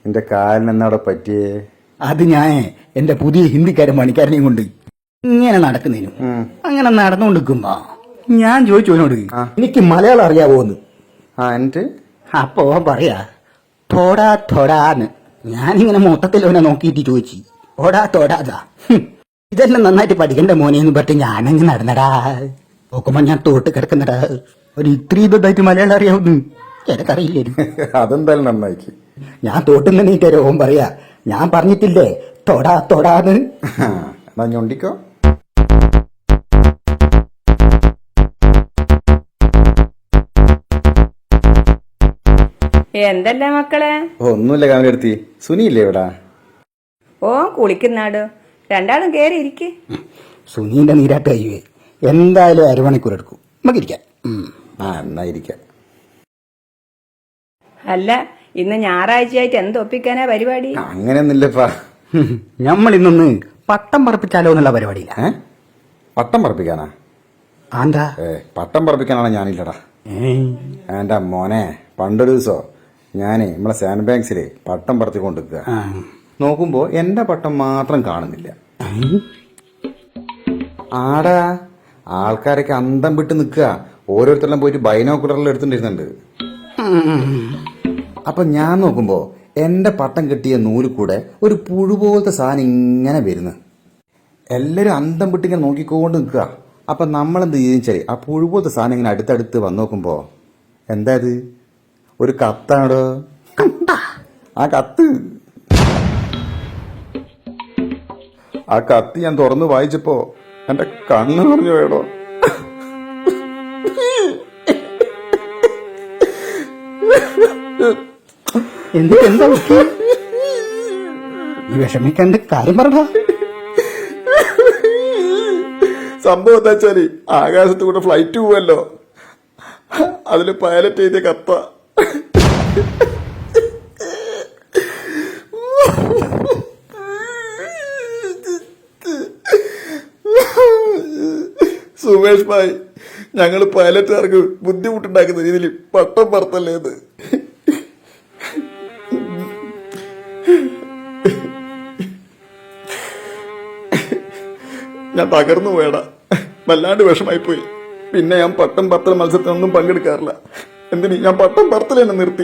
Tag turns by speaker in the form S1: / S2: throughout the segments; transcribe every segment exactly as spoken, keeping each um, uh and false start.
S1: എന്റെ കാലിന് എന്നവിടെ പറ്റിയേ?
S2: അത് ഞാൻ എന്റെ പുതിയ ഹിന്ദിക്കാരൻ പണിക്കാരനെയും കൊണ്ട് ഇങ്ങനെ നടക്കുന്നതിനും അങ്ങനെ നടന്നുകൊണ്ടിരിക്കുമ്പോ ഞാൻ ചോദിച്ചു അവനോട്, എനിക്ക് മലയാളം അറിയാവോന്ന്.
S1: ആ എന്നിട്ട്
S2: അപ്പോ പറയാ തോടാ തോടാന്ന്. ഞാനിങ്ങനെ മൊത്തത്തിൽ അവനെ നോക്കിയിട്ട് ചോദിച്ചു, ഓടാ തോടാതാ, ഇതെല്ലാം നന്നായിട്ട് പഠിക്കണ്ട മോനെന്ന് പറഞ്ഞിട്ട് ഞാനങ്ങ് നടന്നടാ. നോക്കുമ്പോ ഞാൻ തോട്ട് കിടക്കുന്നടാ. ഒരു ഇത്രയും ഇതായിട്ട് മലയാളം അറിയാവുന്നു എനിക്കറിയില്ലായിരുന്നു.
S1: അതെന്തായാലും നന്നായിക്ക്.
S2: ഞാൻ തോട്ടുന്ന നീറ്റരോ ഓൻ പറയാ, ഞാൻ പറഞ്ഞിട്ടില്ലേ തൊടാ തൊടാന്ന്.
S1: എന്നാ ഞൊണ്ടിക്കോ.
S3: എന്തല്ല മക്കളെ?
S1: ഒന്നുമില്ല കാമിലെടുത്തി. സുനിയില്ലേ ഇവിടെ?
S3: ഓ കുളിക്കുന്നാട്. രണ്ടാളും കേറി ഇരിക്ക്.
S2: സുനീന്റെ നീരാട്ട് കഴിയുവേ. എന്തായാലും അരമണിക്കൂർ എടുക്കും. നമുക്ക് ഇരിക്കാം.
S1: ആ എന്നാ ഇരിക്കാം.
S3: അല്ല, ഇന്ന് ഞായറാഴ്ചയായിട്ട് എന്തൊപ്പിക്കാനാ പരിപാടി?
S1: അങ്ങനെയൊന്നുമില്ലപ്പാ.
S2: നമ്മൾ ഇന്നൊന്ന് പട്ടം പറപ്പിച്ചാലോ എന്നുള്ള പരിപാടിയില്ല.
S1: ഏ പട്ടം പറപ്പിക്കാനാ?
S2: ആന്താ?
S1: ഏ പട്ടം പറപ്പിക്കാനാണ് ഞാനില്ലടാ. എന്റെ മോനെ, പണ്ടൊരു ദിവസോ ഞാനേ നമ്മളെ സാൻഡ് ബാങ്ക്സിലെ പട്ടം പറത്തിക്കൊണ്ടിരിക്കുക. നോക്കുമ്പോ എന്റെ പട്ടം മാത്രം കാണുന്നില്ല. ആടാ ആൾക്കാരൊക്കെ അന്തം വിട്ട് നിൽക്കുക. ഓരോരുത്തരെല്ലാം പോയിട്ട് ബൈനോക്കുലറിൽ എടുത്തിട്ടിരുന്നുണ്ട്. അപ്പൊ ഞാൻ നോക്കുമ്പോ എന്റെ പട്ടം കെട്ടിയ നൂല് കൂടെ ഒരു പുഴു പോലത്തെ സാധനം ഇങ്ങനെ വരുന്നു. എല്ലാരും അന്തം വിട്ടിങ്ങനെ നോക്കിക്കൊണ്ട് നിൽക്കുക. അപ്പൊ നമ്മളെന്ത് ചോദിച്ചാല് ആ പുഴു പോലത്തെ സാധനം ഇങ്ങനെ അടുത്തടുത്ത് വന്നു നോക്കുമ്പോ എന്താ ഇത്? ഒരു കത്താണോ? ആ കത്ത് ആ കത്ത് ഞാൻ തുറന്ന് വായിച്ചപ്പോ എന്റെ കണ്ണ് പറഞ്ഞു വേടോ.
S2: എന്ത് എന്താ ഈ വിഷമിക്കണ്ട കാര്യം പറഞ്ഞ
S1: സംഭവം എന്താ വെച്ചാല് ആകാശത്ത് കൂടെ ഫ്ലൈറ്റ് പോവല്ലോ, അതില് പൈലറ്റ് ചെയ്ത കത്ത. സുമേഷ് ഭായ്, ഞങ്ങള് പൈലറ്റുകാർക്ക് ബുദ്ധിമുട്ടുണ്ടാക്കുന്ന രീതിയിൽ പട്ടം പറത്തല്ലേ ഇത്. ഞാൻ തകർന്നു പോയടാ. വല്ലാണ്ട് വിഷമായി പോയി. പിന്നെ ഞാൻ പട്ടം പറത്തൽ മത്സരത്തിനൊന്നും പങ്കെടുക്കാറില്ല. എന്തിന് ഞാൻ പട്ടം പറത്തൽ തന്നെ നിർത്തി.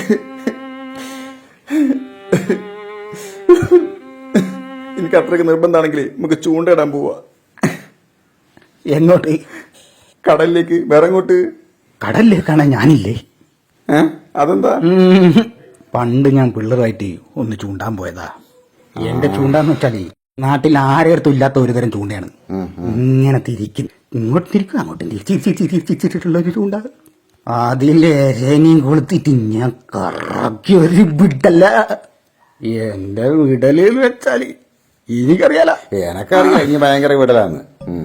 S1: എനിക്ക് അത്രയ്ക്ക് നിർബന്ധമാണെങ്കിൽ നമുക്ക് ചൂണ്ടയിടാൻ പോവാ.
S2: എങ്ങോട്ട്?
S1: കടലിലേക്ക്. വേറെ എങ്ങോട്ട്?
S2: കടലിലേക്കാണ് ഞാനില്ലേ.
S1: ഏ അതെന്താ?
S2: പണ്ട് ഞാൻ പിള്ളേരായിട്ട് ഒന്ന് ചൂണ്ടാൻ പോയതാ. എന്റെ ചൂണ്ടാന്ന് വെച്ചാല് നാട്ടിൽ ആരെടുത്തും ഇല്ലാത്ത ഒരു തരം ചൂണ്ടയാണ്. ഇങ്ങനെ തിരിക്കും, ഇങ്ങോട്ട് തിരിക്കും, അങ്ങോട്ടും തിരിച്ചിട്ടുള്ള ഒരു ചൂണ്ട. അതിലെ രേനയും കൊളുത്തിട്ട് ഞാൻ കറക്കി ഒരു വിടല്ല. എന്റെ വിടല് വെച്ചാല് എനിക്കറിയാല.
S1: എനക്കറിയാം ഇനി ഭയങ്കര വിടലാന്ന്.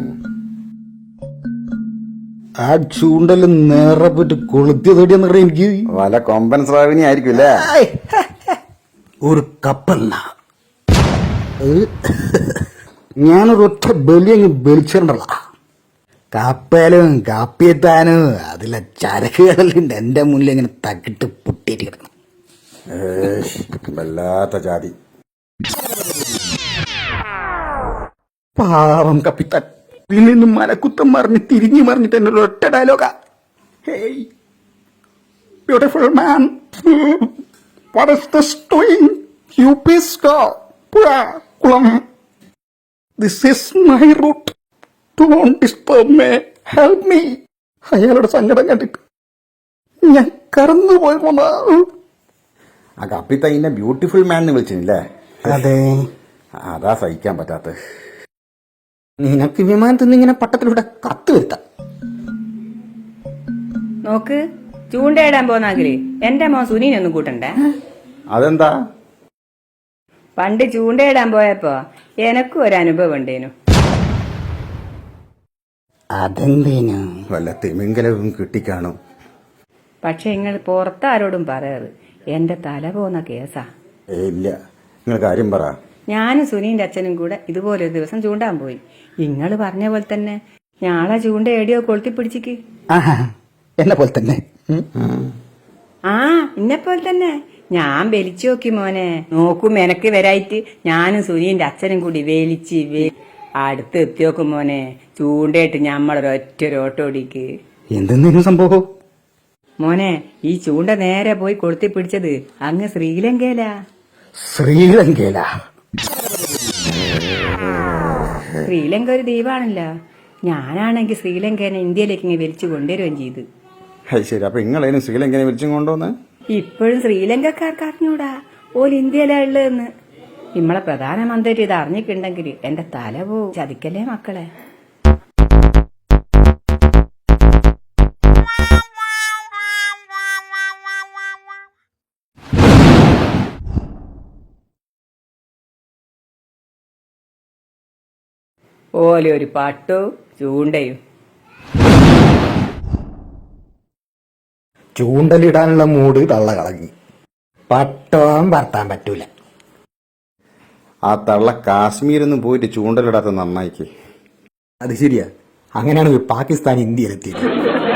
S2: ആ ചൂണ്ടല് നേരെ പോയിട്ട് കൊളുത്തി തൊടിയെന്ന് പറയാം. എനിക്ക്
S1: വല കൊമ്പൻ സ്രാവിനി ആയിരിക്കും അല്ലേ?
S2: ഒരു കപ്പല്ല, ഞാനൊരു ഒറ്റ ബലിയങ്ങ് ബലിച്ചിട്ടുണ്ടല്ല. കപ്പലും കാപ്പിയെത്താനും അതിലെ ചരക്കുകളുണ്ട് എന്റെ മുന്നിൽ ഇങ്ങനെ തക്കിട്ട് പൊട്ടിയിട്ട് കിടക്കണം.
S1: വല്ലാത്ത ജാതി.
S2: പാവം കപ്പിത്താൻ നിന്ന് മലക്കുത്തം മറിഞ്ഞ് തിരിഞ്ഞു മറിഞ്ഞിട്ട് എന്നൊരു ഒറ്റ ഡയലോഗാ. Hey beautiful man, what is this doing? You please go. പുഴ കുളം, this is my route, don't disturb me, help me. അയാളുടെ സങ്കടം കണ്ടിട്ട് ഞാൻ കറന്നു പോയി പോന്ന.
S1: ആ കപ്പിത്തൈനെ ബ്യൂട്ടിഫുൾ മാൻ എന്ന് വിളിച്ചില്ലേ?
S2: അതെ,
S1: അതാ സഹിക്കാൻ പറ്റാത്ത.
S2: നിനക്ക് വിമാനത്തിൽ നിന്ന് ഇങ്ങനെ പട്ടത്തിലൂടെ കത്ത് വരുത്താം.
S3: നോക്ക്, ചൂണ്ടയിടാൻ പോന്നാകില് എന്റെ മോൻ സുനീനൊന്നും കൂട്ടണ്ടേ?
S1: അതെന്താ?
S3: പണ്ട് ചൂണ്ടയിടാൻ പോയപ്പോ എനക്കും ഒരു അനുഭവം ഉണ്ടേനു.
S2: അതെന്തേനു?
S1: വല്ല തിമിംഗലവും കിട്ടിക്കാണും.
S3: പക്ഷെ നിങ്ങൾ പുറത്താരോടും പറയാറ്, എന്റെ തല പോന്ന കേസാ.
S1: ഏ ഇല്ല, നിങ്ങൾ കാര്യം പറ.
S3: ഞാനും സുനീന്റെ അച്ഛനും കൂടെ ഇതുപോലെ ഒരു ദിവസം ചൂണ്ടാൻ പോയി. നിങ്ങൾ പറഞ്ഞ പോലെ തന്നെ ഞാളെ ചൂണ്ട എടിയോ കൊളുത്തി പിടിച്ചിക്ക്.
S2: എന്നെ പോലെ തന്നെ.
S3: ആ എന്നെ പോലെ തന്നെ ഞാൻ വലിച്ചു നോക്കി മോനെ, നോക്കും എനക്ക് വരായിട്ട് ഞാനും സുനീന്റെ അച്ഛനും കൂടി വലിച്ച് വേ- അടുത്ത് എത്തി നോക്കും മോനെ, ചൂണ്ടയിട്ട് ഞമ്മളൊരൊറ്റ ഓട്ടോടിക്ക്.
S2: എന്തെങ്കിലും സംഭവം?
S3: മോനെ, ഈ ചൂണ്ട നേരെ പോയി കൊളുത്തി പിടിച്ചത് അങ്ങ് ശ്രീലങ്കയിലാ.
S2: ശ്രീലങ്കയില?
S3: ശ്രീലങ്ക ഒരു ദ്വീപാണല്ലോ. ഞാനാണെങ്കിൽ ശ്രീലങ്കേനെ ഇന്ത്യയിലേക്ക് ഇങ്ങനെ വലിച്ചു കൊണ്ടുവരുകയും ചെയ്തു.
S1: അത് ശരി. അപ്പൊ നിങ്ങളതിനും ശ്രീലങ്കനെ വിളിച്ചും കൊണ്ടുവന്ന്
S3: ഇപ്പോഴും ശ്രീലങ്കക്കാർക്ക് അറിഞ്ഞൂടാ ഓല് ഇന്ത്യയിലാ ഉള്ളതെന്ന്. നമ്മളെ പ്രധാനമന്ത്രി ഇത് അറിഞ്ഞിട്ടുണ്ടെങ്കിൽ എന്റെ തല പോവും. ചതിക്കല്ലേ മക്കളെ. ഓലെ ഒരു പട്ടവും ചൂണ്ടയും.
S2: ചൂണ്ടലിടാനുള്ള മൂട് തള്ള കളഞ്ഞു. പട്ടവും പറത്താൻ പറ്റൂല.
S1: ആ തള്ള കാശ്മീരൊന്നും പോയിട്ട് ചൂണ്ടലിടാത്ത നന്നായിക്ക്.
S2: അത് ശരിയാ. അങ്ങനെയാണ് പാകിസ്ഥാൻ ഇന്ത്യയിലെത്തിയത്.